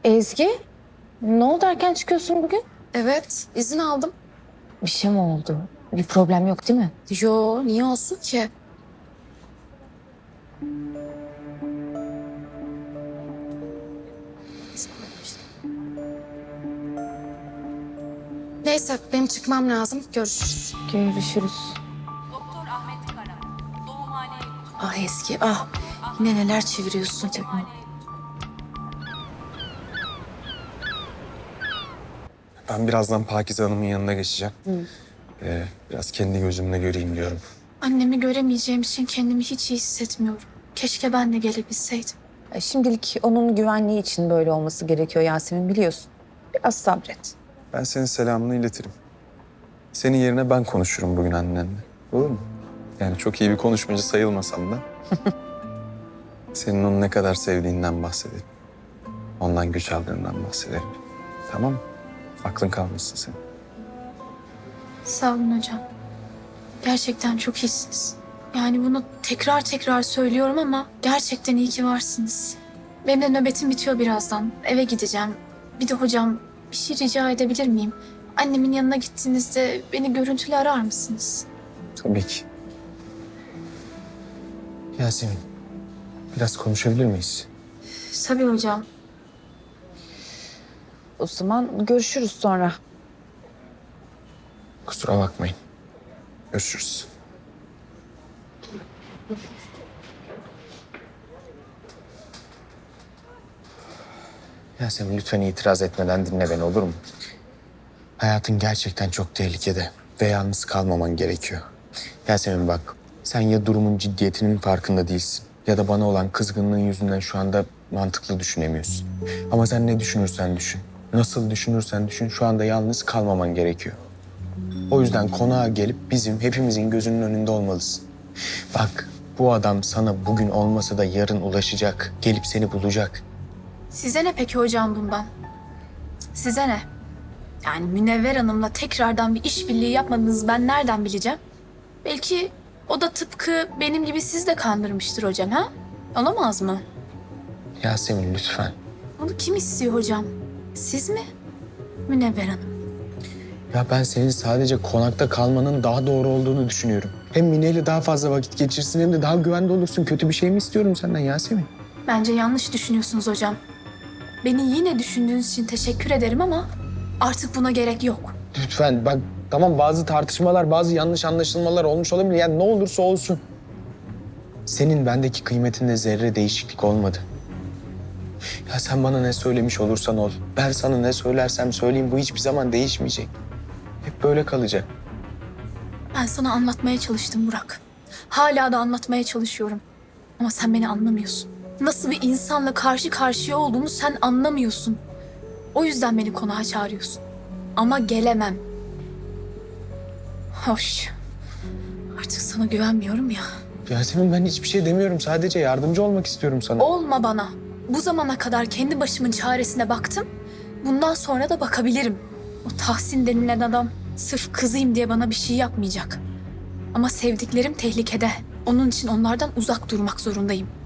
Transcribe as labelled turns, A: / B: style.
A: Ezgi, ne oldu, erken çıkıyorsun bugün?
B: Evet, izin aldım.
A: Bir şey mi oldu? Bir problem yok değil mi?
B: Yo, niye olsun ki? Neyse, benim çıkmam lazım. Görüşürüz.
A: Görüşürüz.
C: Doktor Ahmet Karar, Doğumhane
B: Ah Eski, ah. Yine neler çeviriyorsun canım.
D: Ben birazdan Pakize Hanım'ın yanına geçeceğim. Biraz kendi gözümle göreyim diyorum.
E: Annemi göremeyeceğim için kendimi hiç iyi hissetmiyorum. Keşke ben de gelebilseydim.
A: Şimdilik onun güvenliği için böyle olması gerekiyor Yasemin, biliyorsun. Biraz sabret.
D: Ben senin selamını iletirim. Senin yerine ben konuşurum bugün annenle. Olur mu? Yani çok iyi bir konuşmacı sayılmasam da. Senin onu ne kadar sevdiğinden bahsedelim. Ondan güç aldığından bahsedelim. Tamam mı? Aklın kalmasın senin.
E: Sağ olun hocam. Gerçekten çok iyisiniz. Yani bunu tekrar tekrar söylüyorum ama gerçekten iyi ki varsınız. Benim de nöbetim bitiyor birazdan. Eve gideceğim. Bir de hocam bir şey rica edebilir miyim? Annemin yanına gittiğinizde beni görüntülü arar mısınız?
D: Tabii ki. Yasemin, biraz konuşabilir miyiz?
E: Tabii hocam.
A: O zaman görüşürüz sonra.
D: Kusura bakmayın. Görüşürüz. Yasemin lütfen itiraz etmeden dinle beni, olur mu? Hayatın gerçekten çok tehlikede ve yalnız kalmaman gerekiyor. Yasemin bak, sen ya durumun ciddiyetinin farkında değilsin ya da bana olan kızgınlığın yüzünden şu anda mantıklı düşünemiyorsun. Ama sen ne düşünürsen düşün, nasıl düşünürsen düşün, şu anda yalnız kalmaman gerekiyor. O yüzden konağa gelip bizim hepimizin gözünün önünde olmalısın. Bak, bu adam sana bugün olmasa da yarın ulaşacak, gelip seni bulacak.
E: Size ne peki hocam bundan? Size ne? Yani Münevver Hanım'la tekrardan bir işbirliği yapmadığınızı ben nereden bileceğim? Belki o da tıpkı benim gibi siz de kandırmıştır hocam, ha? Olamaz mı?
D: Yasemin lütfen.
E: Bunu kim istiyor hocam? Siz mi? Münevver Hanım.
D: Ya ben senin sadece konakta kalmanın daha doğru olduğunu düşünüyorum. Hem Mine ile daha fazla vakit geçirsin hem de daha güvende olursun. Kötü bir şey mi istiyorum senden Yasemin?
E: Bence yanlış düşünüyorsunuz hocam. Beni yine düşündüğünüz için teşekkür ederim ama artık buna gerek yok.
D: Lütfen bak, tamam, bazı tartışmalar, bazı yanlış anlaşılmalar olmuş olabilir. Yani ne olursa olsun. Senin bendeki kıymetinde zerre değişiklik olmadı. Ya sen bana ne söylemiş olursan ol. Ben sana ne söylersem söyleyeyim, bu hiçbir zaman değişmeyecek. Hep böyle kalacak.
E: Ben sana anlatmaya çalıştım Burak. Hala da anlatmaya çalışıyorum. Ama sen beni anlamıyorsun. Nasıl bir insanla karşı karşıya olduğumu sen anlamıyorsun. O yüzden beni konağa çağırıyorsun. Ama gelemem. Hoş. Artık sana güvenmiyorum ya.
D: Yasemin, ben hiçbir şey demiyorum. Sadece yardımcı olmak istiyorum sana.
E: Olma bana. Bu zamana kadar kendi başımın çaresine baktım. Bundan sonra da bakabilirim. O Tahsin denilen adam sırf kızıyım diye bana bir şey yapmayacak. Ama sevdiklerim tehlikede. Onun için onlardan uzak durmak zorundayım.